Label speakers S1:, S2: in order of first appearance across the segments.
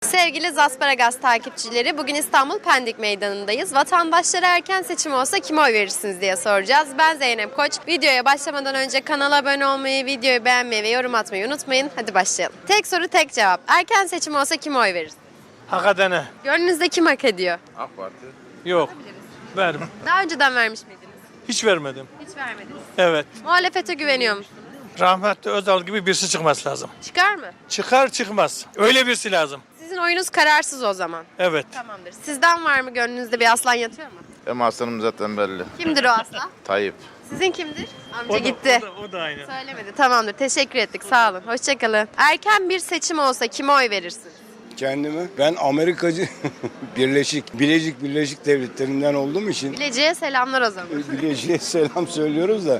S1: Sevgili Zasparagas takipçileri, bugün İstanbul Pendik Meydanı'ndayız. Vatandaşlara erken seçim olsa kime oy verirsiniz diye soracağız. Ben Zeynep Koç. Videoya başlamadan önce kanala abone olmayı, videoyu beğenmeyi ve yorum atmayı unutmayın. Hadi başlayalım. Tek soru tek cevap. Erken seçim olsa kime oy veririz?
S2: Hakikaten.
S1: Gönlünüzde kim hak ediyor?
S3: AK Parti.
S2: Yok. Vermem.
S1: Daha önceden vermiş miydiniz?
S2: Hiç vermedim.
S1: Hiç vermediniz.
S2: Evet.
S1: Muhalefete güveniyor musunuz?
S2: Rahmetli Özal gibi birisi çıkması lazım.
S1: Çıkar mı?
S2: Çıkar çıkmaz. Öyle birisi lazım.
S1: Sizin oyunuz kararsız o zaman.
S2: Evet.
S1: Tamamdır. Sizden var mı gönlünüzde bir aslan yatıyor mu?
S3: Ama aslanım zaten belli.
S1: Kimdir o aslan?
S3: Tayyip.
S1: Sizin kimdir? Amca gitti.
S2: O da aynı.
S1: Söylemedi. Tamamdır. Teşekkür ettik. Sağ olun. Hoşçakalın. Erken bir seçim olsa kime oy verirsin?
S4: Kendimi. Ben Amerikacı Bilecik Devletleri'nden olduğum için
S1: Bilecik'e selamlar o zaman.
S4: Bilecik'e selam söylüyoruz da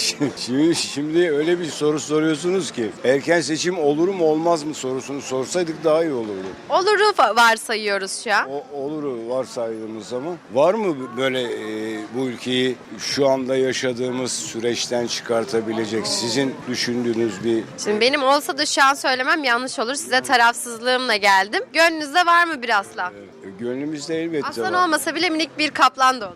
S4: şimdi öyle bir soru soruyorsunuz ki erken seçim olur mu olmaz mı sorusunu sorsaydık daha iyi olurdu.
S1: Oluru varsayıyoruz şu an.
S4: Oluru varsaydığımız zaman var mı böyle bu ülkeyi şu anda yaşadığımız süreçten çıkartabilecek sizin düşündüğünüz bir
S1: Şimdi benim olsa da şu an söylemem yanlış olur. Size tarafsızlığımla geldim. Gönlünüzde var mı bir aslan?
S4: gönlümüzde elbette
S1: Aslan
S4: var.
S1: olmasa bile minik bir kaplan da olur.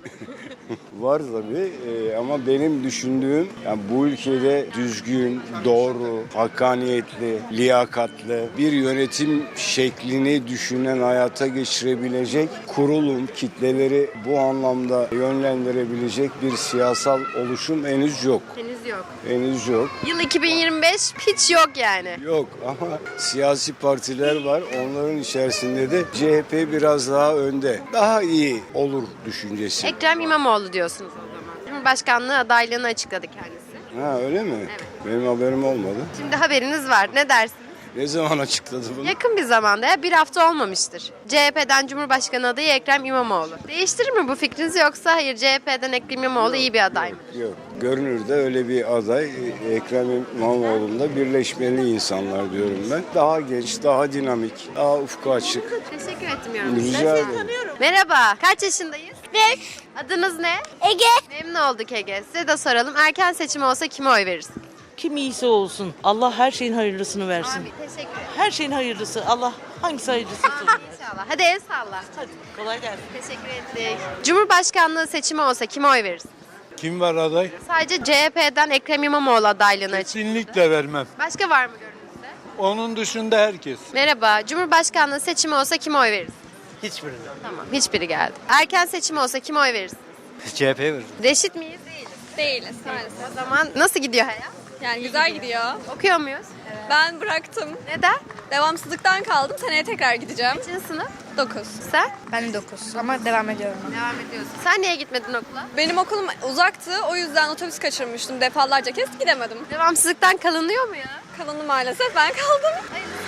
S4: Var tabii ama benim düşündüğüm yani bu ülkede düzgün, doğru, hakkaniyetli, liyakatli bir yönetim şeklini düşünen, hayata geçirebilecek kurulum, kitleleri bu anlamda yönlendirebilecek bir siyasal oluşum henüz yok.
S1: Henüz yok.
S4: Henüz yok.
S1: Yıl 2025 hiç yok yani.
S4: Yok ama siyasi partiler var. Onların içerisinde de CHP biraz daha önde. Daha iyi olur düşüncesi.
S1: Ekrem İmamoğlu diyorsunuz o zaman. Cumhurbaşkanlığı adaylığını açıkladı kendisi.
S4: Ha öyle mi?
S1: Evet.
S4: Benim haberim olmadı.
S1: Şimdi haberiniz var. Ne dersiniz?
S4: Ne zaman açıkladı bunu?
S1: Yakın bir zamanda ya bir hafta olmamıştır. CHP'den Cumhurbaşkanı adayı Ekrem İmamoğlu. Değiştirir mi bu fikrinizi yoksa hayır CHP'den Ekrem İmamoğlu iyi bir aday mı?
S4: Yok. Görünürde öyle bir aday Ekrem İmamoğlu'nda birleşmeli insanlar diyorum ben. Daha genç, daha dinamik, daha ufku açık.
S1: Teşekkür etmiyorum.
S4: Rica ederim.
S1: Merhaba. Kaç yaşındayız?
S5: 5.
S1: Adınız ne?
S5: Ege.
S1: Memnun olduk Ege. Size de soralım. Erken seçim olsa kime oy verirsin?
S6: Kim iyisi olsun. Allah her şeyin hayırlısını versin.
S1: Abi teşekkür ederim.
S6: Her şeyin hayırlısı. Allah hangisi hayırlısı olsun.
S1: İnşallah. Hadi el salla.
S6: Hadi kolay gelsin.
S1: Teşekkür ettik. Cumhurbaşkanlığı seçimi olsa kime oy verirsin?
S2: Kim var aday?
S1: Sadece CHP'den Ekrem İmamoğlu adaylığını açıkladı.
S2: Kesinlikle vermem.
S1: Başka var mı gönlünüzde?
S2: Onun dışında herkes.
S1: Merhaba. Cumhurbaşkanlığı seçimi olsa kime oy verirsin?
S2: Hiçbirine.
S1: Tamam. Hiçbiri geldi. Erken seçim olsa kime oy verirsin?
S2: CHP verir.
S1: Reşit miyiz? Değiliz.
S7: Değiliz maalesef.
S1: O zaman nasıl gidiyor hayat?
S7: Yani güzel gidiyor.
S1: Okuyor muyuz?
S7: Ben bıraktım.
S1: Neden?
S7: Devamsızlıktan kaldım. Seneye tekrar gideceğim.
S1: Kaçıncı sınıf?
S7: 9.
S1: Sen?
S5: Ben 9 ama devam ediyorum.
S1: Devam ediyorsun. Sen niye gitmedin okula?
S7: Benim okulum uzaktı. O yüzden otobüs kaçırmıştım. Defalarca kez gidemedim.
S1: Devamsızlıktan kalınıyor mu ya?
S7: Kalanı maalesef ben kaldım.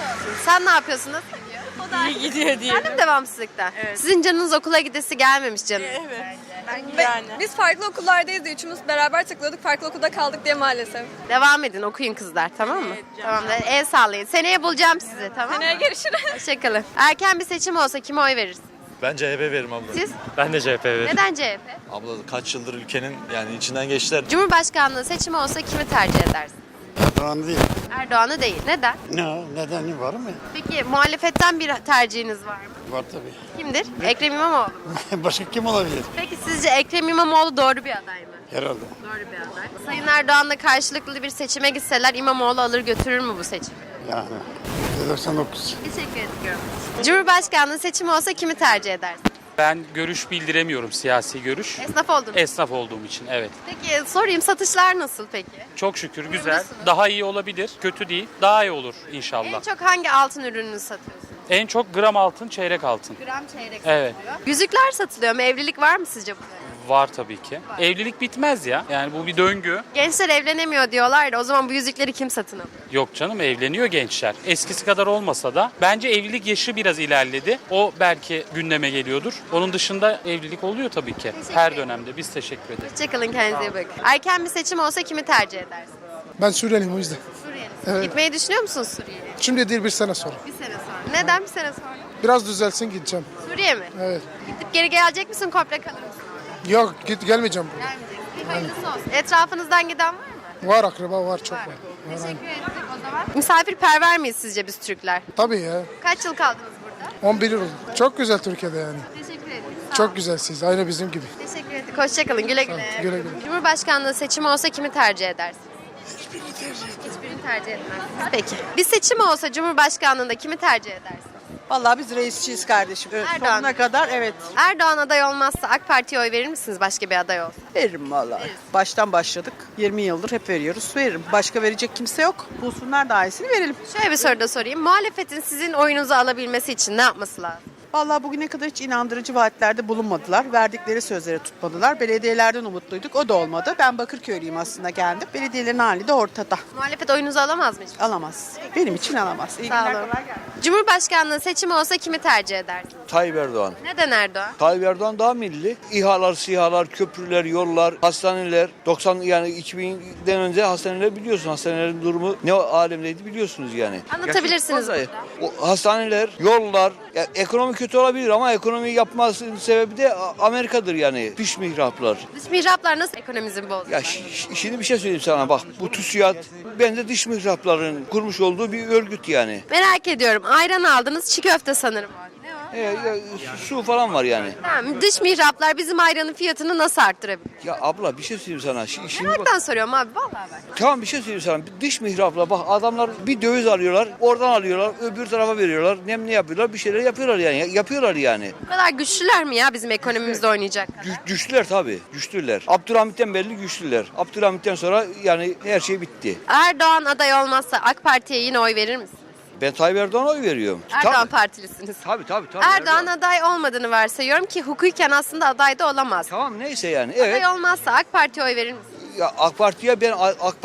S1: Sen ne yapıyorsun? Nasıl gidiyor?
S6: İyi gidiyor diye.
S1: Sen de mi devamsızlıktan? Sizin canınız okula gidesi gelmemiş canım.
S7: Ve biz farklı okullardayız diye üçümüz beraber tıkladık. Farklı okulda kaldık diye maalesef.
S1: Devam edin okuyun kızlar tamam mı? Tamam da el sallayın. Seneye bulacağım sizi tamam mı?
S7: Seneye görüşürüz.
S1: Hoşçakalın. Erken bir seçim olsa kime oy verirsin?
S8: Ben CHP veririm abla.
S1: Siz?
S8: Ben de CHP veririm.
S1: Neden CHP?
S8: Abla kaç yıldır ülkenin yani içinden geçtiler.
S1: Cumhurbaşkanlığı seçimi olsa kimi tercih edersin?
S9: Erdoğan değil.
S1: Erdoğan'ı değil. Neden?
S9: Ne o? Nedeni var mı?
S1: Peki muhalefetten bir tercihiniz var mı?
S9: Var tabii.
S1: Kimdir? Ekrem İmamoğlu mu?
S9: Başka kim olabilir?
S1: Peki sizce Ekrem İmamoğlu doğru bir aday mı?
S9: Herhalde.
S1: Doğru bir aday. Sayın Erdoğan'la karşılıklı bir seçime gitseler İmamoğlu alır götürür mü bu seçimi?
S9: Yani. %99.
S1: Teşekkür ediyorum. Cumhurbaşkanlığı seçimi olsa kimi tercih edersin?
S10: Ben görüş bildiremiyorum, siyasi görüş.
S1: Esnaf oldun.
S10: Esnaf olduğum için, evet.
S1: Peki sorayım satışlar nasıl peki?
S10: Çok şükür güzel.
S1: Memnunsunuz.
S10: Daha iyi olabilir, kötü değil. Daha iyi olur inşallah.
S1: En çok hangi altın ürününü satıyorsun?
S10: En çok gram altın, çeyrek altın.
S1: Gram çeyrek
S10: Evet.
S1: satılıyor. Yüzükler satılıyor mu? Evlilik var mı sizce bu dönem?
S10: Var tabii ki. Evlilik bitmez ya. Yani bu bir döngü.
S1: Gençler evlenemiyor diyorlar da o zaman bu yüzükleri kim satın alıyor?
S10: Yok canım, evleniyor gençler. Eskisi kadar olmasa da bence evlilik yaşı biraz ilerledi. O belki gündeme geliyordur. Onun dışında evlilik oluyor tabii ki. Her dönemde. Biz teşekkür ederiz.
S1: Hoşçakalın kendinize iyi bakın. Erken bir seçim olsa kimi tercih edersin?
S11: Ben Suriyeliyim o yüzden.
S1: Suriyeli. Gitmeyi düşünüyor musunuz Suriye'ye?
S11: Şimdi değil bir sene sonra.
S1: Bir sene sonra. Neden bir sene sonra?
S11: Biraz düzelsin gideceğim.
S1: Suriye mi?
S11: Evet.
S1: Gidip geri gelecek misin komple kalır mısın?
S11: Yok gelmeyeceğim buraya.
S1: Gelmeyeceksin. Hayırlısı olsun. Etrafınızdan giden var mı?
S11: Var akraba var çok var.
S1: Teşekkür ettik o zaman. Misafirperver miyiz sizce biz Türkler?
S11: Tabii ya.
S1: Kaç yıl kaldınız burada?
S11: 11 yıl oldu. Çok güzel Türkiye'de yani.
S1: Teşekkür ederim.
S11: Çok güzelsiniz. Aynı bizim gibi.
S1: Teşekkür ederim. Hoşçakalın. Güle güle.
S11: Güle güle.
S1: Cumhurbaşkanlığı seçimi olsa kimi tercih edersiniz?
S9: Hiçbirini tercih etmem.
S1: Hiçbirini tercih etmezsiniz. Peki. Bir seçim olsa Cumhurbaşkanlığında kimi tercih edersiniz?
S6: Vallahi biz reisçiyiz kardeşim.
S1: Erdoğan.
S6: Sonuna kadar evet.
S1: Erdoğan aday olmazsa AK Parti'ye oy verir misiniz başka bir aday olsa?
S6: Veririm vallahi. Baştan başladık. 20 yıldır hep veriyoruz. Veririm. Başka verecek kimse yok. Bulsunlar daha iyisini verelim.
S1: Şöyle bir soru da sorayım. Muhalefetin sizin oyunuzu alabilmesi için ne yapması lazım?
S6: Vallahi bugüne kadar hiç inandırıcı vaatlerde bulunmadılar. Verdikleri sözleri tutmadılar. Belediyelerden umutluyduk. O da olmadı. Ben Bakırköylüyüm aslında kendim. Belediyelerin hali de ortada.
S1: Muhalefet oyunuzu alamaz mı hiç?
S6: Alamaz. Benim için alamaz. İyi
S1: Sağ
S6: günler,
S1: olun.
S6: kolay gelsin.
S1: Cumhurbaşkanlığı seçimi olsa kimi tercih edersiniz?
S2: Tayyip Erdoğan.
S1: Neden Erdoğan?
S2: Tayyip Erdoğan daha milli. İHA'lar, SİHA'lar, köprüler, yollar, hastaneler. 90 yani 2000'den önce hastaneler biliyorsun. Hastanelerin durumu ne alemdeydi biliyorsunuz yani.
S1: Anlatabilirsiniz
S2: Gerçekten o hastaneler, yollar, ya ekonomi kötü olabilir ama ekonomiyi yapmasının sebebi de Amerika'dır yani. Dış mihraplar.
S1: Dış mihraplar nasıl ekonomimizi bozuyor?
S2: Ya şimdi bir şey söyleyeyim sana bak. Bu TÜSİAD bence dış mihrapların kurmuş olduğu bir örgüt yani.
S1: Merak ediyorum. Ayran aldınız, çiğ köfte sanırım.
S2: Ya, su falan var yani.
S1: Tamam, dış mihraplar bizim ayranın fiyatını nasıl arttırabilir?
S2: Ya abla bir şey söyleyeyim sana. Şimdi bak,
S1: Meraktan soruyorum abi, vallahi bak.
S2: tamam bir şey söyleyeyim sana. Dış mihrapla bak adamlar bir döviz alıyorlar. Oradan alıyorlar. Öbür tarafa veriyorlar. Ne yapıyorlar? Bir şeyler yapıyorlar yani. Yapıyorlar yani.
S1: Bu kadar güçlüler mi ya bizim ekonomimizde oynayacak kadar?
S2: Güçlüler tabii. Güçlüler. Abdülhamit'ten belli güçlüler. Abdülhamit'ten sonra yani her şey bitti.
S1: Erdoğan aday olmazsa AK Parti'ye yine oy verir misin?
S2: Ben Tayyip Erdoğan'a oy veriyorum.
S1: Erdoğan
S2: Tabii.
S1: partilisiniz.
S2: Tabii.
S1: Erdoğan aday olmadığını varsayıyorum ki hukuken aslında aday da olamaz.
S2: Tamam neyse yani. Evet.
S1: Aday olmazsa AK Parti'ye oy verir misin?
S2: Ya AK Parti'ye ben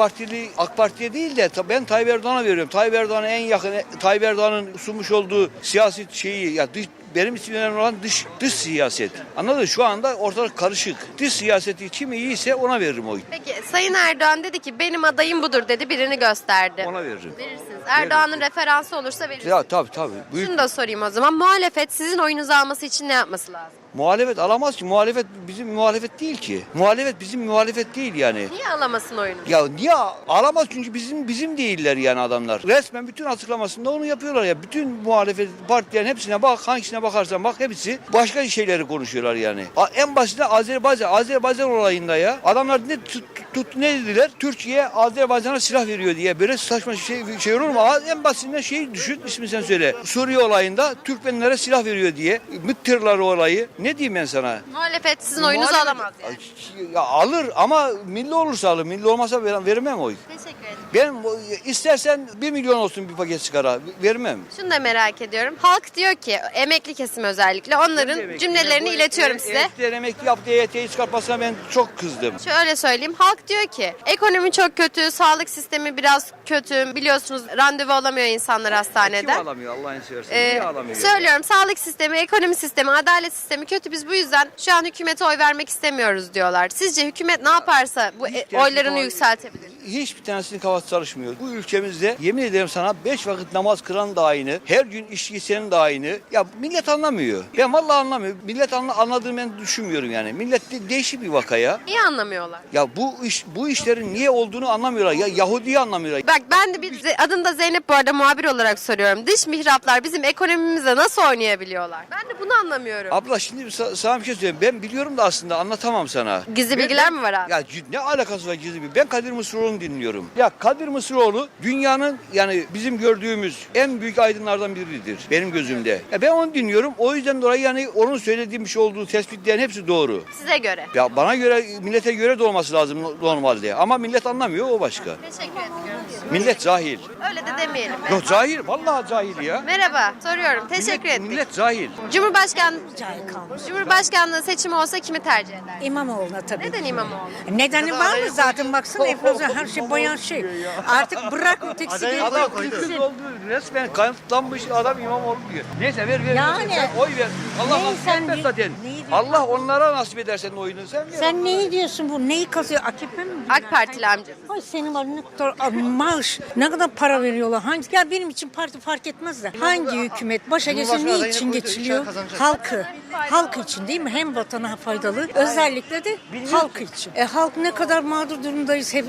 S2: AK Parti'ye değil de ben Tayyip Erdoğan'a veriyorum. Tayyip Erdoğan'a en yakın Tayyip Erdoğan'ın sunmuş olduğu siyasi şeyi ya benim için önemli olan dış siyaset. Anladın mı? Şu anda ortalık karışık. Dış siyaseti kim iyiyse ona veririm oy.
S1: Peki Sayın Erdoğan dedi ki benim adayım budur dedi, birini gösterdi.
S2: Ona veririm.
S1: Verirsiniz. Erdoğan'ın referansı olursa verirsiniz.
S2: Ya tabii. Büyük
S1: Şunu da sorayım o zaman. Muhalefet sizin oyunuzu alması için ne yapması lazım?
S2: muhalefet alamaz ki. Muhalefet bizim muhalefet değil ki. Muhalefet bizim muhalefet değil yani.
S1: Niye alamasın oyunu?
S2: Ya niye alamaz çünkü bizim değiller yani adamlar. Resmen bütün açıklamasında onu yapıyorlar ya. Bütün muhalefet partilerin hepsine bak, hangisine bakarsan bak hepsi başka şeyleri konuşuyorlar yani. En basitinde Azerbaycan olayında ya. Adamlar ne dediler? Türkiye Azerbaycan'a silah veriyor diye böyle saçma şey olur mu? En basitinden şeyi düşün, ismini sen söyle. Suriye olayında Türkmenlere silah veriyor diye. MİT tırları olayı. Ne diyeyim ben sana?
S1: Muhalefet sizin oyunuzu alamaz yani.
S2: Ya alır ama milli olursa alır. Milli olmasa vermem oy.
S1: Teşekkür ederim.
S2: Ben istersen 1 milyon olsun bir paket sigara vermem.
S1: Şunu da merak ediyorum. Halk diyor ki emekli kesim özellikle onların cümlelerini iletiyorum size.
S2: Emekliler emekli yaptığı EYT'yi çıkartmasına ben çok kızdım.
S1: Şöyle söyleyeyim. Halk diyor ki ekonomi çok kötü, sağlık sistemi biraz kötü. Biliyorsunuz randevu alamıyor insanlar hastaneden.
S2: Kim alamıyor Allah'ını seversen? Niye alamıyor?
S1: Söylüyorum sağlık sistemi, ekonomi sistemi, adalet sistemi kötü. Biz bu yüzden şu an hükümete oy vermek istemiyoruz diyorlar. Sizce hükümet ne yaparsa bu oylarını yükseltebilir?
S2: Hiçbir tanesinin kafası çalışmıyor. Bu ülkemizde yemin ederim sana 5 vakit namaz kılan da aynı. Her gün içki içenin de aynı. Ya millet anlamıyor. Ben vallahi anlamıyorum. Millet anladığını ben düşünmüyorum yani. Millet değişik bir vaka ya.
S1: Niye anlamıyorlar?
S2: Ya bu işlerin niye olduğunu anlamıyorlar. Ya Yahudi'yi anlamıyorlar.
S1: Bak ben de adım da Zeynep bu arada muhabir olarak soruyorum. Dış mihraplar bizim ekonomimize nasıl oynayabiliyorlar? Ben de bunu anlamıyorum.
S2: Abla şimdi sana bir şey söyleyeyim. Ben biliyorum da aslında anlatamam sana.
S1: Gizli bilgiler mi var abi?
S2: Ya ne alakası var gizli bilgi? Ben Kadir Mısıroğlu'nu dinliyorum. Ya Kadir Mısıroğlu dünyanın yani bizim gördüğümüz en büyük aydınlardan biridir benim gözümde. Ya ben onu dinliyorum. O yüzden dolayı yani onun söylediğim şey olduğu tespitlerin hepsi doğru.
S1: Size göre.
S2: Ya bana göre millete göre de olması lazım normalde. Ama millet anlamıyor o başka.
S1: Teşekkür ediyorum.
S2: Millet cahil.
S1: Öyle de demeyelim.
S2: Yok cahil. Vallahi cahil ya.
S1: Merhaba, soruyorum. Teşekkür ederim.
S2: Millet cahil.
S1: Cumhurbaşkanlığı seçimi olsa kimi tercih eder?
S5: İmamoğlu'na tabii.
S1: Neden İmamoğlu?
S5: Nedeni var mı zaten baksana enflasyon her şey bayan şey. Artık bırak ötekisi
S2: Adam kız oldu. Resmen kanıtlanmış adam İmamoğlu diyor. Neyse ver.
S5: Yani.
S2: Sen oy ver. Allah
S5: Neyi
S2: nasip
S5: sen
S2: etmez
S5: di-
S2: zaten.
S5: neyi diyorsun?
S2: Allah onlara nasip eder senin oyunu. Sen ver.
S5: Sen neyi diyorsun bu? Neyi kazıyor? AKP mi?
S1: AK Partili amcası.
S5: Ay senin var ne kadar maaş, ne kadar para veriyorlar. Hangi ya benim için parti fark etmez de. Hangi hükümet başa geçse ne için geçiliyor? Halkı. Halk için değil mi? Hem vatana faydalı, özellikle de halk için. Halk ne kadar mağdur durumdayız hepimiz.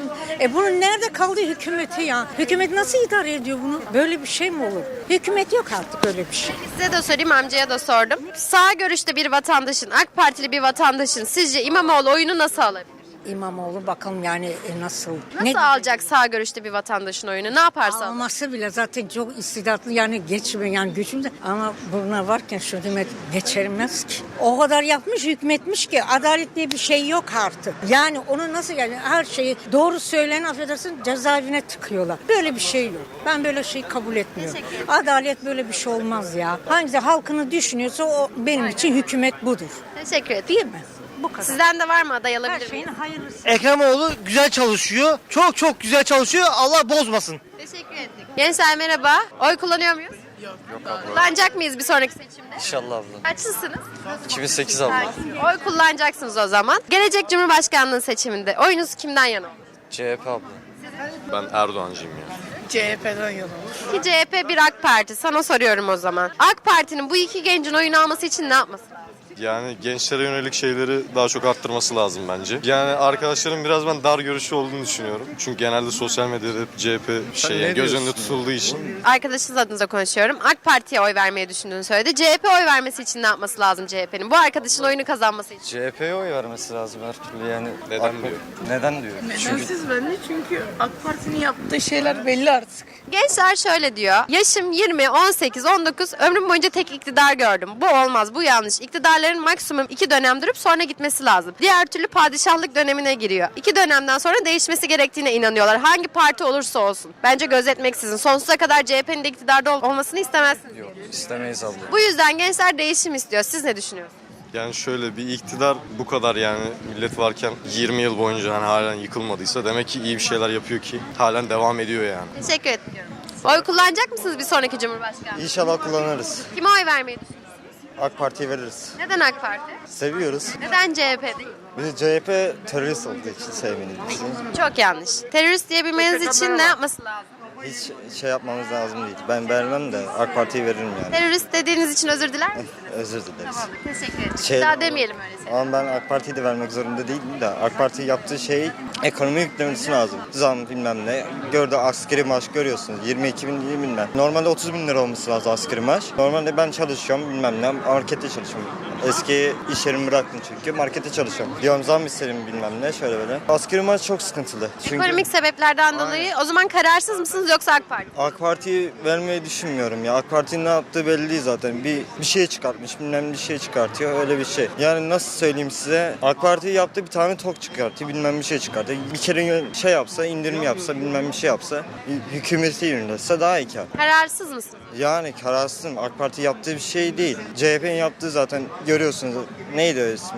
S5: Bunun nerede kaldı hükümeti ya? Hükümet nasıl idare ediyor bunu? Böyle bir şey mi olur? Hükümet yok artık öyle bir şey.
S1: Size de sorayım, amcaya da sordum. Sağ görüşte bir vatandaşın, AK Partili bir vatandaşın sizce İmamoğlu oyunu nasıl alabilir?
S5: İmamoğlu bakalım yani nasıl?
S1: Nasıl alacak sağ görüşte bir vatandaşın oyunu? Ne yaparsa alır.
S5: Alması bile zaten çok istidatlı yani geçmiyor yani gücümde ama buna varken şu hükümet geçirmez ki. O kadar yapmış hükmetmiş ki adalet diye bir şey yok artık. Yani onu nasıl yani her şeyi doğru söyleyen affedersin cezaevine tıkıyorlar. Böyle bir şey yok. Ben böyle şey kabul etmiyorum. Adalet böyle bir şey olmaz ya. Hangisi halkını düşünüyorsa o benim için hükümet budur.
S1: Teşekkür ederim.
S5: Değil mi? Bu kadar.
S1: Sizden de var mı aday
S5: Her
S1: alabilir
S5: şeyin
S1: miyim?
S5: hayırlısı.
S12: Ekremoğlu güzel çalışıyor. Çok çok güzel çalışıyor. Allah bozmasın.
S1: Teşekkür ettik. Gençler merhaba. Oy kullanıyor muyuz? Yok abla. Kullanacak mıyız bir sonraki seçimde?
S8: İnşallah abla.
S1: Kaçlısınız?
S8: 2008 abla.
S1: Oy kullanacaksınız o zaman. Gelecek Cumhurbaşkanlığı seçiminde oyunuz kimden yana olur?
S8: CHP abla.
S3: Ben Erdoğancıyım ya.
S6: CHP'den yana olur.
S1: İki CHP, bir AK Parti. Sana soruyorum o zaman. AK Parti'nin bu iki gencin oyunu alması için ne yapması lazım?
S3: Yani gençlere yönelik şeyleri daha çok arttırması lazım bence. Yani arkadaşlarım biraz ben dar görüşlü olduğunu düşünüyorum. Çünkü genelde sosyal medyada hep CHP göz önünde tutulduğu için.
S1: Arkadaşınız adınıza konuşuyorum. AK Parti'ye oy vermeyi düşündüğünü söyledi. CHP oy vermesi için ne yapması lazım CHP'nin? Bu arkadaşın oyunu kazanması için.
S8: CHP'ye oy vermesi lazım her türlü yani.
S3: Neden diyor?
S8: Neden diyor?
S6: Nedensiz bence çünkü AK Parti'nin yaptığı şeyler belli artık.
S1: Gençler şöyle diyor. Yaşım 20, 18, 19. Ömrüm boyunca tek iktidar gördüm. Bu olmaz, bu yanlış. İktidarların maksimum 2 dönem durup sonra gitmesi lazım. Diğer türlü padişahlık dönemine giriyor. 2 dönemden sonra değişmesi gerektiğine inanıyorlar. Hangi parti olursa olsun. Bence gözetmeksizin. Sonsuza kadar CHP'nin de iktidarda olmasını istemezsiniz.
S8: Yok istemeyiz abla.
S1: Bu yüzden gençler değişim istiyor. Siz ne düşünüyorsunuz?
S3: Yani şöyle bir iktidar bu kadar yani millet varken 20 yıl boyunca hani halen yıkılmadıysa demek ki iyi bir şeyler yapıyor ki halen devam ediyor yani.
S1: Teşekkür ediyorum. Oy kullanacak mısınız bir sonraki Cumhurbaşkanı?
S12: İnşallah kullanırız.
S1: Kime oy vermeyi düşünüyorsunuz?
S12: AK Parti'ye veririz.
S1: Neden AK Parti?
S12: Seviyoruz.
S1: Neden CHP değil?
S12: Biz CHP terörist olduğu için sevmeniz için.
S1: Çok yanlış. Terörist diyebilmeniz için ne yapması lazım?
S12: Hiç şey yapmamız lazım değil. Ben vermem de AK Parti'ye veririm yani.
S1: Terörist dediğiniz için özür diler misiniz?
S12: Özür dileriz.
S1: Teşekkür ederim.
S12: Şey-
S1: Daha demeyelim öyle şeyler.
S12: Ama ben AK Parti'yi de vermek zorunda değilim de AK Parti yaptığı şey ekonomi yüklemesi lazım. Zam bilmem ne. Gördü askeri maaş görüyorsunuz. 22 bin bilmem. Normalde 30 bin lira olması lazım askeri maaş. Normalde ben çalışıyorum bilmem ne. Markette çalışıyorum. Eski iş yerimi bıraktım çünkü. Markette çalışıyorum. Diyorum zam isterim bilmem ne şöyle böyle. Askeri maaş çok sıkıntılı. Çünkü
S1: Ekonomik sebeplerden dolayı o zaman kararsız mısınız yoksa AK Parti?
S12: AK Parti'yi vermeyi düşünmüyorum ya. AK Parti'nin ne yaptığı belli değil zaten. Bir şey çıkartmış, bilmem bir şey çıkartıyor öyle bir şey. Yani nasıl söyleyeyim size? AK Parti yaptığı bir tane tok çıkartıyor, bilmem bir şey çıkartıyor. Bir kere şey yapsa, indirim yapsa, bilmem bir şey yapsa, hükümeti yönetse daha iyi kar.
S1: Kararsız mısınız?
S12: Yani kararsızım. AK Parti yaptığı bir şey değil. CHP'nin yaptığı zaten görüyorsunuz. Neydi o ismi?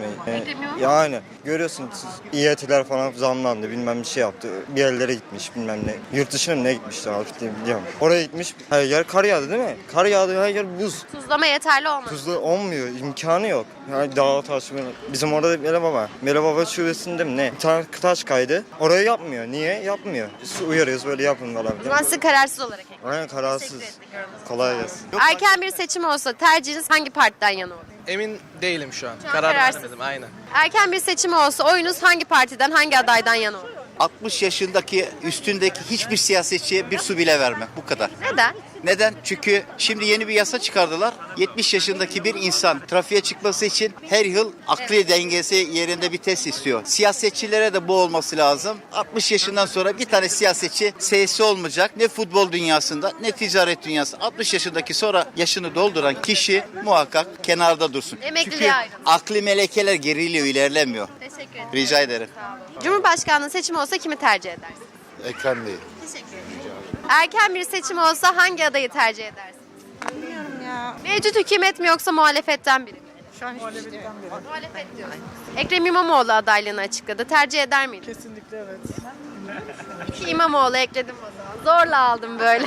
S12: Yani görüyorsunuz İET'ler falan zamlandı, bilmem bir şey yaptı. Bir yerlere gitmiş, bilmem ne. Yurt dışına mı ne gitmişti artık biliyorum. Oraya gitmiş. Her yer kar yağdı değil mi? Kar yağdı, her yer buz.
S1: Tuzlama yeterli olmadı.
S12: Tuzlu olmuyor, imkanı yok. Yani dağ taş, bizim orada Mele Baba şubesinde mi ne? Bir tane taş kaydı. Oraya yapmıyor. Niye? Yapmıyor. Biz uyarıyoruz böyle yapın falan.
S1: O zaman sizi kararsız olarak ekledim.
S12: Aynen kararsız. Kolay gelsin.
S1: Erken bir seçim olsa tercihiniz hangi partiden yana olur?
S13: Emin değilim şu an.
S1: Şu an
S13: Karar
S1: kararsız.
S13: veremedim aynen.
S1: Erken bir seçim olsa oyunuz hangi partiden, hangi adaydan yana olur?
S14: 60 yaşındaki üstündeki hiçbir siyasetçiye bir su bile verme. Bu kadar.
S1: Neden?
S14: Neden? Çünkü şimdi yeni bir yasa çıkardılar. 70 yaşındaki bir insan trafiğe çıkması için her yıl akli dengesi yerinde bir test istiyor. Siyasetçilere de bu olması lazım. 60 yaşından sonra bir tane siyasetçi sesi olmayacak. Ne futbol dünyasında ne ticaret dünyasında. 60 yaşındaki sonra yaşını dolduran kişi muhakkak kenarda dursun.
S1: Emekliliğe
S14: Çünkü
S1: ayrılsın.
S14: akli melekeler geriliyor, ilerlemiyor.
S1: Teşekkür ederim.
S14: Rica ederim.
S1: Cumhurbaşkanlığı seçimi olsa kimi tercih edersin?
S3: Ekrem Bey.
S1: Teşekkür ederim. Erken bir seçim olsa hangi adayı tercih edersin?
S5: Bilmiyorum ya.
S1: Mevcut hükümet mi yoksa muhalefetten biri mi?
S5: Şu an hiçbir şey demiyorum.
S1: Muhalefet diyor. Ekrem İmamoğlu adaylığını açıkladı. Tercih eder miydin?
S6: Kesinlikle evet.
S1: İki İmamoğlu ekledim o zaman. Zorla aldım böyle.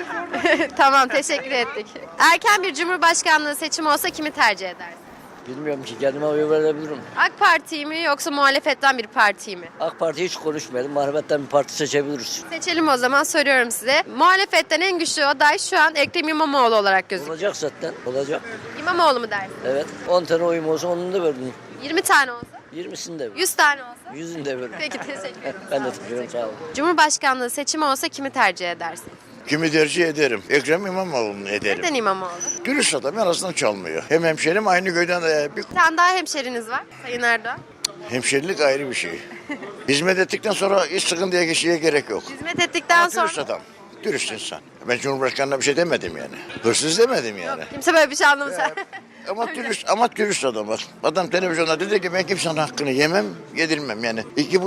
S1: Tamam, teşekkür ettik. Erken bir cumhurbaşkanlığı seçimi olsa kimi tercih edersin?
S12: Bilmiyorum ki kendime oy verebilirim.
S1: AK Parti'yi mi yoksa muhalefetten bir partiyi mi?
S12: AK Parti hiç konuşmayalım. Muhalefetten bir parti seçebiliriz.
S1: Seçelim o zaman, soruyorum size. Muhalefetten en güçlü aday şu an Ekrem İmamoğlu olarak gözüküyor.
S12: Olacak zaten. Olacak.
S1: İmamoğlu mu dersin?
S12: Evet. 10 tane oyum olsa onun da verdim.
S1: 20 tane olsa?
S9: 20'sini de ver.
S1: 100 tane olsa?
S9: 100'ünü de ver.
S1: Peki teşekkür ederim.
S9: Ben de teşekkür ederim. Sağ olun.
S1: Cumhurbaşkanlığı seçimi olsa kimi tercih edersin?
S13: Kimi tercih ederim? Ekrem İmamoğlu'nu ederim.
S1: Neden İmamoğlu?
S13: Dürüst adam arasından çalmıyor. Hem hemşerim aynı köyden bir
S1: Bir tane daha hemşeriniz var Sayın Erdoğan.
S13: hemşerilik ayrı bir şey. Hizmet ettikten sonra hiç sıkıntıya geçmeye gerek yok.
S1: Hizmet ettikten
S13: Ama
S1: sonra
S13: dürüst adam. Dürüst insan. Ben Cumhurbaşkanı'na bir şey demedim yani. Hırsız demedim yani.
S1: kimse böyle bir şey anlamış.
S13: Ama dürüst adam bak. Adam televizyonda dedi ki ben kimsenin hakkını yemem, yedirmem yani.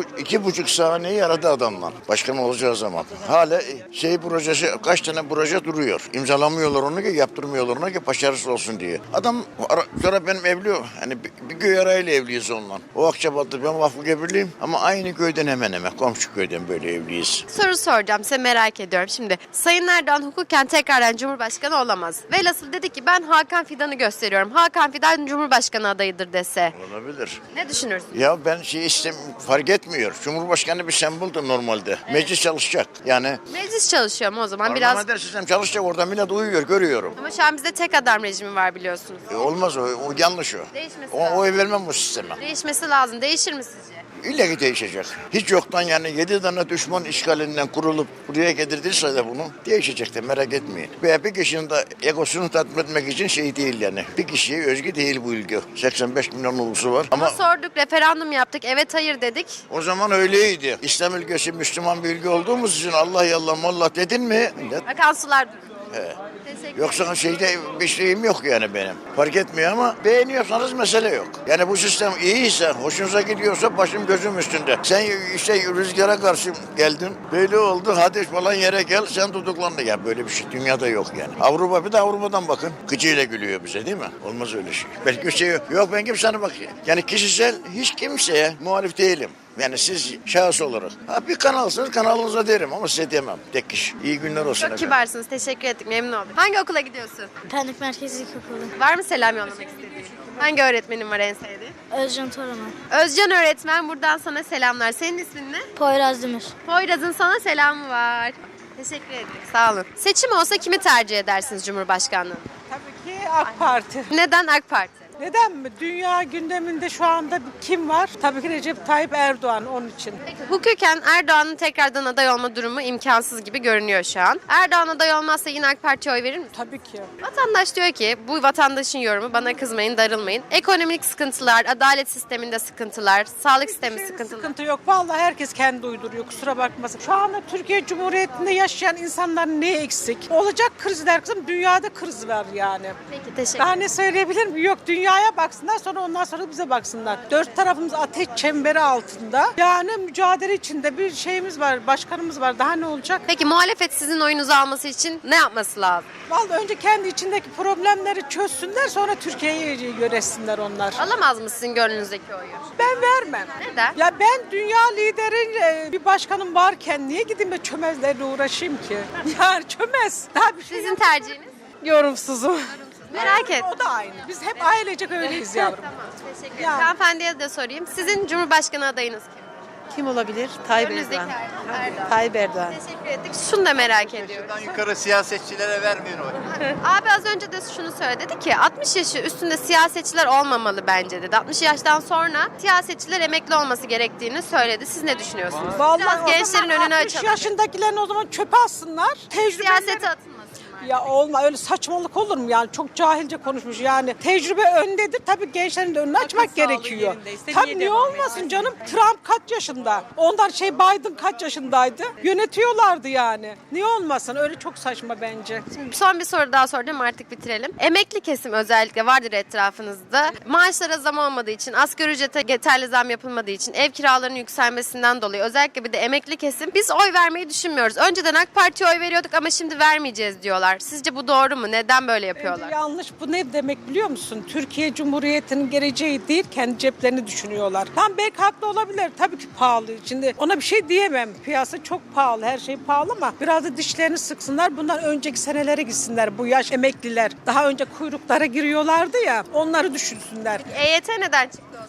S13: 2,5 saniyeyi aradı adamla. Başkan olacağı zaman. Hala projesi, kaç tane proje duruyor. İmzalamıyorlar onu ki, yaptırmıyorlar onu ki başarısız olsun diye. Adam sonra benim evli, hani bir köy arayla evliyiz onunla. O Akçabat'ta ben Vakfı Gebirliyim ama aynı köyden hemen hemen komşu köyden böyle evliyiz.
S1: Soru soracağım size, merak ediyorum. Şimdi Sayın Erdoğan hukuken tekrardan Cumhurbaşkanı olamaz. Velhasıl dedi ki ben Hakan Fidan'ı gösteriyorum. Hakan Fidan Cumhurbaşkanı adayıdır dese.
S13: Olabilir.
S1: Ne düşünürsün?
S13: Ya ben fark etmiyor. Cumhurbaşkanı bir semboldür normalde. Meclis çalışacak. Yani
S1: Meclis çalışıyor mu o zaman? Biraz.
S13: sistem çalışacak, orada millet uyuyor, görüyorum.
S1: Ama şu an bizde tek adam rejimi var biliyorsunuz.
S13: Olmaz o yanlış o.
S1: Değişmesi
S13: O
S1: lazım.
S13: oy vermem bu sisteme.
S1: Değişmesi lazım. Değişir mi sizce?
S13: İlla ki değişecek. Hiç yoktan yani 7 tane düşman işgalinden kurulup buraya getirdiyse de bunu değişecek de merak etmeyin. Veya bir kişinin de egosunu tatmin etmek için şey değil yani. Bir kişiye özgü değil bu ülke. 85 milyon nüfusu var
S1: Ama
S13: ama
S1: sorduk, referandum yaptık, evet hayır dedik.
S13: o zaman öyleydi. İslam ülkesi Müslüman bir ülke olduğumuz için Allah yallah mallah dedin mi? Millet.
S1: Akan sular durur.
S13: He.
S1: Teşekkür
S13: Yoksa şeyde bir şeyim yok yani benim. Fark etmiyor ama beğeniyorsanız mesele yok. Yani bu sistem iyiyse, hoşunuza gidiyorsa başım gözüm üstünde. Sen işte rüzgara karşı geldin, böyle oldu, hadi falan yere gel, sen tutuklandın. Ya böyle bir şey dünyada yok yani. Avrupa, bir de Avrupa'dan bakın. Gıcıyla gülüyor bize değil mi? Olmaz öyle şey. Belki şey yok, ben kimsenin bak. Yani kişisel hiç kimseye muhalif değilim. Yani siz şahıs olarak. Bir kanalsınız, kanalınıza derim ama size demem. Tek kişi. İyi günler olsun
S1: Çok
S13: efendim.
S1: kibarsınız. Teşekkür ettik. Memnun oldum. Hangi okula gidiyorsun?
S15: Pendik Merkezi İlkokulu.
S1: Var mı selam yollamak istediğin? Hangi öğretmenin var en sevdiğin?
S15: Özcan Toraman.
S1: Özcan öğretmen, buradan sana selamlar. Senin ismin ne?
S15: Poyraz Demir.
S1: Poyraz'ın sana selamı var. Teşekkür ettik. Sağ olun. Seçim olsa kimi tercih edersiniz Cumhurbaşkanlığı?
S6: Tabii ki AK Parti.
S1: Neden AK Parti?
S6: Neden mi? Dünya gündeminde şu anda kim var? Tabii ki Recep Tayyip Erdoğan onun için.
S1: Peki, hukuken Erdoğan'ın tekrardan aday olma durumu imkansız gibi görünüyor şu an. Erdoğan aday olmazsa yine AK Parti'ye oy verir misin?
S6: Tabii ki.
S1: Vatandaş diyor ki, bu vatandaşın yorumu, bana kızmayın, darılmayın. Ekonomik sıkıntılar, adalet sisteminde sıkıntılar, sağlık sistemi sıkıntılar.
S6: Sıkıntı yok. Vallahi herkes kendi uyduruyor. Kusura bakmasın. Şu anda Türkiye Cumhuriyeti'nde yaşayan insanlar ne eksik? Olacak krizler kızım. Dünyada kriz var yani.
S1: Peki, teşekkür
S6: Daha
S1: ederim.
S6: ne söyleyebilir miyim? Yok, dünyaya baksınlar, sonra ondan sonra bize baksınlar. Dört tarafımız ateş çemberi altında. Yani mücadele içinde bir şeyimiz var, başkanımız var. Daha ne olacak?
S1: Peki muhalefet sizin oyunuzu alması için ne yapması lazım?
S6: Vallahi önce kendi içindeki problemleri çözsünler, sonra Türkiye'yi yönetsinler onlar.
S1: Alamaz mı sizin gönlünüzdeki oyu?
S6: Ben vermem.
S1: Neden?
S6: Ya ben dünya lideri bir başkanım varken niye gideyim de çömezlerle uğraşayım ki? Yani çömez. Daha bir şey
S1: Sizin tercihiniz?
S6: yorumsuzum.
S1: Merak et.
S6: O da aynı. Biz hep ailecek öyleyiz yavrum.
S1: Tamam, teşekkür ederim.
S6: Ya.
S1: Hanımefendiye de sorayım. Sizin Cumhurbaşkanı adayınız kim?
S6: Kim olabilir? Tayyip
S1: Önünüzdeki
S6: Erdoğan.
S1: Erdoğan.
S6: Tayyip Erdoğan.
S1: Teşekkür ettik. Şunu da merak ediyorum.
S14: Yukarı siyasetçilere vermeyin oy.
S1: Abi az önce de şunu söyledi, dedi ki 60 yaşı üstünde siyasetçiler olmamalı bence dedi. 60 yaştan sonra siyasetçiler emekli olması gerektiğini söyledi. Siz ne düşünüyorsunuz? Biraz gençlerin önünü
S6: 60
S1: açalım.
S6: yaşındakilerin o zaman çöpe atsınlar.
S1: Siyasete atılmasınlar.
S6: Ya olma, öyle saçmalık olur mu yani? Çok cahilce konuşmuş yani. Tecrübe öndedir. Tabii gençlerin de önünü açmak gerekiyor. Tabii niye olmasın canım? Trump kaç yaşında? Ondan Biden kaç yaşındaydı? Yönetiyorlardı yani. Niye olmasın? Öyle çok saçma bence.
S1: Son bir soru daha soracağım, artık bitirelim. Emekli kesim özellikle vardır etrafınızda. Maaşlara zam olmadığı için, asgari ücrete yeterli zam yapılmadığı için, ev kiralarının yükselmesinden dolayı özellikle bir de emekli kesim biz oy vermeyi düşünmüyoruz. Önceden AK Parti'ye oy veriyorduk ama şimdi vermeyeceğiz diyorlar. Sizce bu doğru mu? Neden böyle yapıyorlar?
S6: Bence yanlış. Bu ne demek biliyor musun? Türkiye Cumhuriyeti'nin geleceği değil, kendi ceplerini düşünüyorlar. Tam belki haklı olabilir. Tabii ki pahalı. Şimdi ona bir şey diyemem. Piyasa çok pahalı. Her şey pahalı ama biraz da dişlerini sıksınlar. Bundan önceki senelere gitsinler. Bu yaş emekliler. Daha önce kuyruklara giriyorlardı ya. Onları düşünsünler.
S1: EYT neden çıktı o zaman?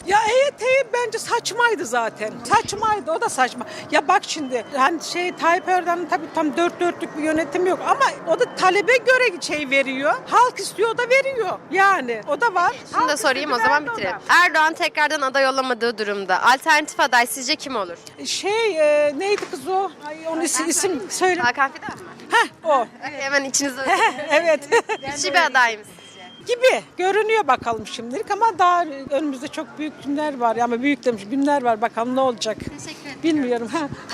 S6: Ya EYT bence saçmaydı zaten. Saçmaydı, o da saçma. Ya bak şimdi hani Tayyip Erdoğan'ın tabii tam dört dörtlük bir yönetim yok ama o da talebe göre veriyor. Halk istiyor, o da veriyor. Yani o da var.
S1: Şunu da sorayım, o zaman bitirelim. Erdoğan tekrardan aday olamadığı durumda alternatif aday sizce kim olur?
S6: Neydi kız o? Ay, onun isim söyle.
S1: Hakan Fidan mı?
S6: O.
S1: Hemen içinizde
S6: Evet.
S1: güçlü bir aday mı sizce?
S6: Gibi görünüyor bakalım şimdilik ama daha önümüzde çok büyük günler var. Ama büyük demiş günler var, bakalım ne olacak.
S1: Teşekkür ederim.
S6: Bilmiyorum.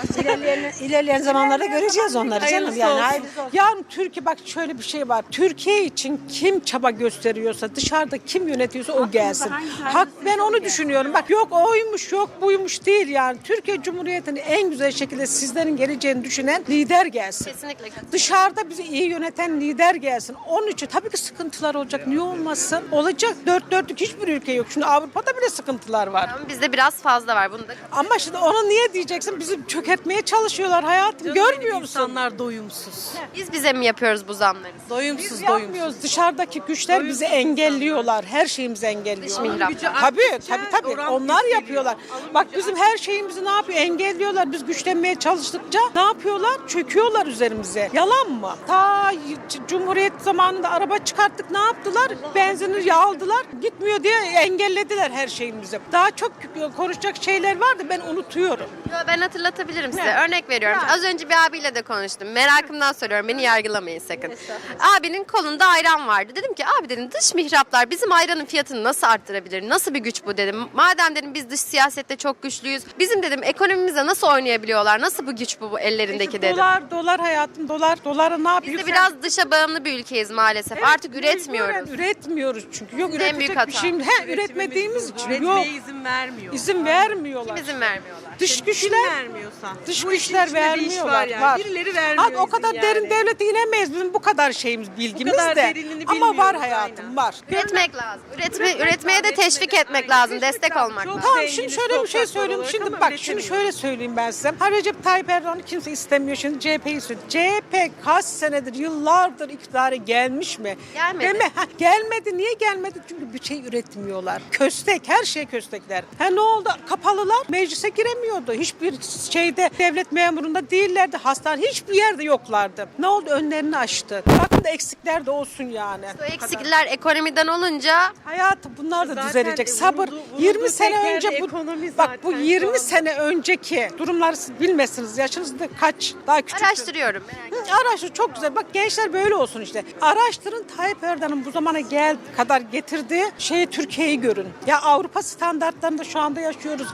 S5: İlerleyen zamanlarda göreceğiz onları canım. Yani
S6: Yani Türkiye bak şöyle bir şey var. Türkiye için kim çaba gösteriyorsa, dışarıda kim yönetiyorsa o gelsin. Hak, ben onu düşünüyorum. Bak yok oymuş, yok buymuş değil yani. Türkiye Cumhuriyeti'ni en güzel şekilde sizlerin geleceğini düşünen lider gelsin.
S1: Kesinlikle.
S6: Dışarıda bizi iyi yöneten lider gelsin. Onun için tabii ki sıkıntılar olacak. Niye olmasın? Olacak. Dört dörtlük hiçbir ülke yok. Şimdi Avrupa'da bile sıkıntılar var.
S1: Ama bizde biraz fazla var. Bunu da
S6: Ama şimdi onu niye diyeceksin? Bizi çökertmeye çalışıyorlar hayatım. Görmüyor musun?
S16: İnsanlar doyumsuz.
S1: biz bize mi yapıyoruz bu zamları?
S6: Biz yapmıyoruz. Dışarıdaki güçler bizi engelliyorlar. Her şeyimizi engelliyorlar.
S1: Dış mihraklar.
S6: Tabii. Onlar yapıyorlar. Bak bizim her şeyimizi ne yapıyor? Engelliyorlar. Biz güçlenmeye çalıştıkça ne yapıyorlar? Çöküyorlar üzerimize. Yalan mı? Ta Cumhuriyet zamanında araba çıkarttık. Ne yaptılar? Benzinini aldılar. Gitmiyor diye engellediler her şeyimizi. Daha çok konuşacak şeyler vardı. Ben unutuyorum.
S1: Yo, ben hatırlatabilirim size.
S6: Ne?
S1: Örnek veriyorum. Az önce bir abiyle de konuştum. Merakımdan soruyorum. Beni yargılamayın sakın. Abinin kolunda ayran vardı. Dedim ki abi dedim dış mihraplar bizim ayranın fiyatını nasıl arttırabilir? Nasıl bir güç bu dedim. Madem dedim biz dış siyasette çok güçlüyüz. Bizim dedim ekonomimize nasıl oynayabiliyorlar? Nasıl bu güç bu ellerindeki dedim.
S6: Dolar hayatım. Doları ne yapıyor?
S1: Biz de biraz dışa bağımlı bir ülkeyiz maalesef. Artık üretmiyoruz.
S6: Üretmiyoruz çünkü. Yok
S1: En büyük
S6: üretecek
S1: hata.
S6: bir şeyimiz. Üretmediğimiz için yok.
S16: Üretmeye izin vermiyor.
S6: İzin vermiyorlar.
S1: İzin vermiyorlar.
S6: Dış
S16: Kim
S6: güçler
S16: vermiyorsa.
S6: Dış
S16: Bu işin
S6: güçler
S16: içinde bir iş
S6: vermiyorlar.
S16: yani.
S6: Var.
S16: Birileri vermiyor
S6: O kadar
S16: izin
S6: derin
S16: yani.
S6: devlete inemeyiz bizim bu kadar şeyimiz, bilgimiz
S16: kadar
S6: de.
S16: derinini
S6: Ama var
S16: bilmiyoruz,
S6: hayatım,
S16: aynen.
S6: var.
S1: Üretmek lazım. Üretmeye de teşvik etmek lazım. Destek olmak lazım.
S6: Tamam şimdi şöyle bir şey söyleyeyim. Şimdi bak şunu şöyle söyleyeyim ben size. Recep Tayyip Erdoğan'ı kimse istemiyor. Şimdi CHP'yi istiyor. CHP kaç senedir, yıllardır iktidara gelmiş mi?
S1: Gelmedi.
S6: Değil mi? Gelmedi. Niye gelmedi? Çünkü bir şey üretmiyorlar. Köstek. Her şey köstekler. Ne oldu? Kapalılar. Meclise giremiyordu. Hiçbir şeyde devlet memurunda değillerdi. Hastane hiçbir yerde yoklardı. Ne oldu? Önlerini açtı. Bakın da eksikler de olsun yani.
S1: Bu eksikler ekonomiden olunca
S6: Hayatım bunlar da
S16: Zaten
S6: düzelecek. Sabır.
S16: vurulduğu
S6: 20 sene
S16: tek
S6: önce
S16: yerde
S6: bu
S16: ekonomi
S6: bak bu
S16: zaten şu
S6: 20
S16: anda.
S6: sene önceki durumları siz bilmezsiniz. Yaşınız da kaç? Daha küçük.
S1: araştırıyorum.
S6: Araştır çok güzel. Bak gençler böyle olsun işte. Araştırın Tayyip Erdoğan'ın bu zamana kadar getirdiği şeyi Türkiye'yi görün. Ya Avrupa standartlarında şu anda yaşıyoruz.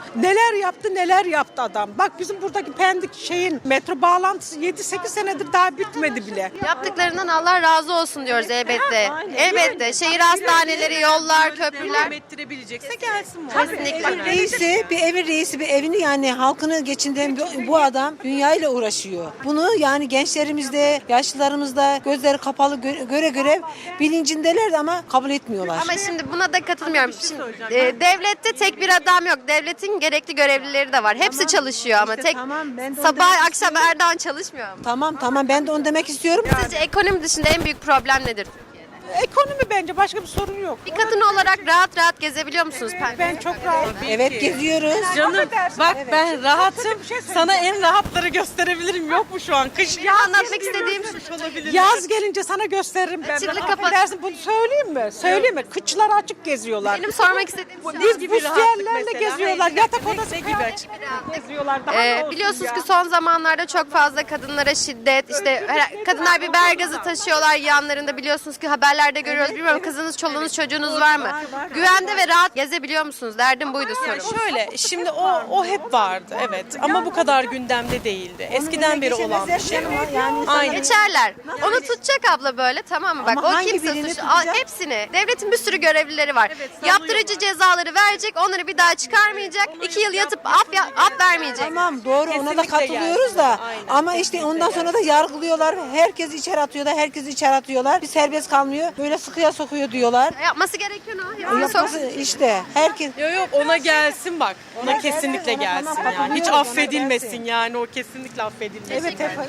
S6: Neler yaptı adam. Bak bizim buradaki Pendik metro bağlantısı 7-8 senedir daha bitmedi bile.
S1: Yaptıklarından Allah razı olsun diyoruz elbette. Elbette. Şehir hastaneleri, yollar, köprüler.
S16: Devam ettirebilecekse gelsin.
S1: Kesinlikle.
S5: bir evin reisi bir evini yani halkını geçindiren bu adam dünyayla uğraşıyor. Bunu yani gençlerimizde, yaşlılarımızda gözleri kapalı göre bilincindeler de ama kabul etmiyorlar.
S1: Ama şimdi buna da katılmıyorum. Şimdi, devlette tek bir adam yok. Devletin gerekli görevlileri de var. Hepsi çalışıyor ama
S5: İşte
S1: tek
S5: tamam, ben de onu
S1: sabah
S5: demek
S1: akşam Erdoğan çalışmıyor mu?
S5: Tamam ben de onu demek istiyorum.
S1: Sizce ekonomi dışında en büyük problem nedir?
S6: Ekonomi bence başka bir sorun yok.
S1: Bir kadın olarak rahat rahat gezebiliyor musunuz?
S6: Ben çok rahat.
S5: Evet geziyoruz.
S16: Canım bak ben rahatım.
S6: şey
S16: Sana en rahatları gösterebilirim. Yok mu şu an? Kış
S1: Ya anlatmak istediğim
S16: olabilir.
S6: Yaz gelince sana gösteririm ben.
S1: Açıklık
S6: Ben
S1: kapat-
S6: affedersin, bunu söyleyeyim mi? Söyleyeyim mi? Kıçları açık geziyorlar.
S1: benim sormak istediğim şu.
S6: Biz
S16: gibi
S6: buz
S16: rahatlık
S6: yerlerle
S16: mesela?
S6: geziyorlar.
S16: Hayır,
S6: Yatak
S16: ne
S6: odası
S16: gibi açık?
S6: geziyorlar. Daha ne olsun
S1: Biliyorsunuz
S6: ya?
S1: ki son zamanlarda çok fazla kadınlara şiddet, işte kadınlar biber gazı taşıyorlar yanlarında, biliyorsunuz ki haberlerde görüyoruz. Bilmiyorum kızınız, çoluğunuz, çocuğunuz var mı? Güvende ve rahat gezebiliyor musunuz? Derdim buydu sorum.
S16: Şöyle şimdi o hep vardı evet ama bu kadar gündemde değildi. Eskiden beri olan bir şey. Aynen.
S1: Geçerler. Onu tutacak abla böyle, tamam mı? Bak
S5: Ama
S1: o
S5: hangi
S1: kimse
S5: birini
S1: suçlu.
S5: tutacak?
S1: Hepsini. Devletin bir sürü görevlileri var.
S16: sanıyor
S1: Yaptırıcı cezaları verecek, onları bir daha çıkarmayacak. 2 yıl yatıp af vermeyecek.
S5: Tamam doğru ona da
S16: Kesinlikle
S5: katılıyoruz
S16: gelsin.
S5: da
S16: Aynen,
S5: ama işte ondan sonra da yargılıyorlar. Herkesi içeri atıyorlar. Bir serbest kalmıyor. Böyle sıkıya sokuyor diyorlar.
S1: Yapması gereken o.
S5: Yapması işte herkes
S16: Yok ona gelsin bak. Ona kesinlikle
S5: ona
S16: gelsin
S5: tamam,
S16: yani. Hiç
S5: katılıyorum, ona
S16: affedilmesin
S5: gelsin.
S16: yani o kesinlikle affedilmesin.
S6: Evet,
S16: bence.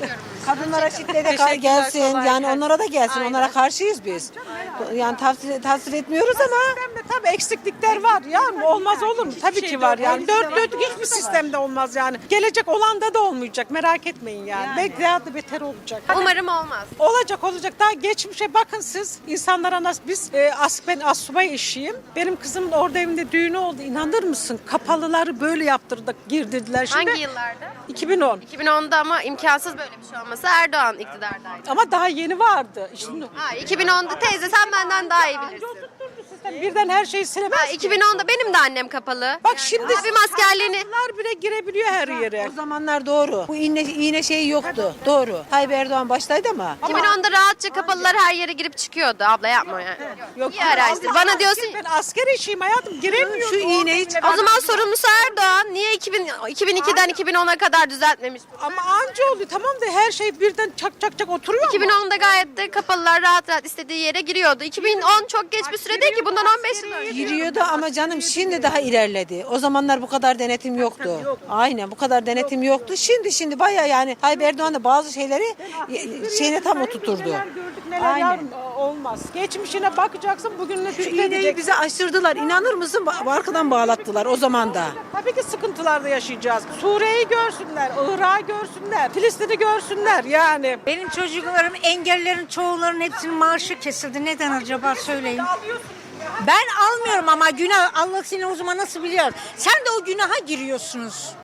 S6: Kadınlara şiddete
S16: Teşekkürler,
S6: gelsin.
S16: kolay
S6: Yani
S16: gelsin.
S6: onlara da gelsin.
S16: Aynen.
S6: Onlara karşıyız biz. Yani tavsiye etmiyoruz ama. Sistemde tabii eksiklikler var. Yani olmaz olur mu? Tabii ki var yani. Dört dörtlük hiçbir sistemde olmaz yani. Gelecek olanda da olmaz. Merak etmeyin yani. Belki daha da beter olacak.
S1: Umarım olmaz.
S6: Olacak. Daha geçmişe bakın siz. İnsanlara nasıl ben asubay eşiyim. Benim kızımın orada evinde düğünü oldu. İnanır mısın? Kapalıları böyle yaptırdık, girdirdiler. Şimdi
S1: Hangi yıllarda?
S6: 2010.
S1: 2010'da ama imkansız böyle bir şey olması. Erdoğan iktidardaydı.
S6: Ama daha yeni vardı. Şimdi
S1: 2010'da teyze sen benden daha iyi bilirsin.
S6: birden her şeyi silemez.
S1: 2010'da benim de annem kapalı.
S6: Bak şimdi
S1: abim askerliğini
S6: bunlar bile girebiliyor her yere. O zamanlar doğru. Bu iğne şeyi yoktu. Doğru. Tayyip Erdoğan baştaydı ama.
S1: 2010'da rahatça kapalılar her yere girip çıkıyordu. Abla yapma yani.
S6: Yok.
S1: İyi araştır. Bana diyorsun
S6: Ben asker eşiyim hayatım. Giremiyorum. Şu iğneyi
S1: o zaman sorumlusu Erdoğan. Niye 2002'den 2010'a kadar düzeltmemiş?
S6: ama anca oluyor. Tamam da her şey birden çak oturuyor ama.
S1: 2010'da gayet de kapalılar rahat istediği yere giriyordu. 2010 çok geç bir süre değil ki. Bundan 15 yıl önce.
S6: Giriyordu ama canım şimdi daha ilerledi. O zamanlar bu kadar denetim yoktu. Aynen bu kadar denetim yoktu. Şimdi bayağı yani Tayyip Erdoğan da bazı şeyleri şeyine tam oturturdu. Aynen. Olmaz. Geçmişine bakacaksın, bugününe şükredeceksin. Bize aşırdılar. İnanır mısın? Arkadan bağlattılar o zaman da. Tabii ki sıkıntılarda yaşayacağız. Suriye'yi görsünler, Irak'ı görsünler, Filistin'i görsünler yani.
S5: Benim çocuklarım engellerin çoğularının hepsinin maaşı kesildi. Neden acaba söyleyin. Ben almıyorum ama günah Allah seni o zaman nasıl biliyor? Sen de o günaha giriyorsunuz.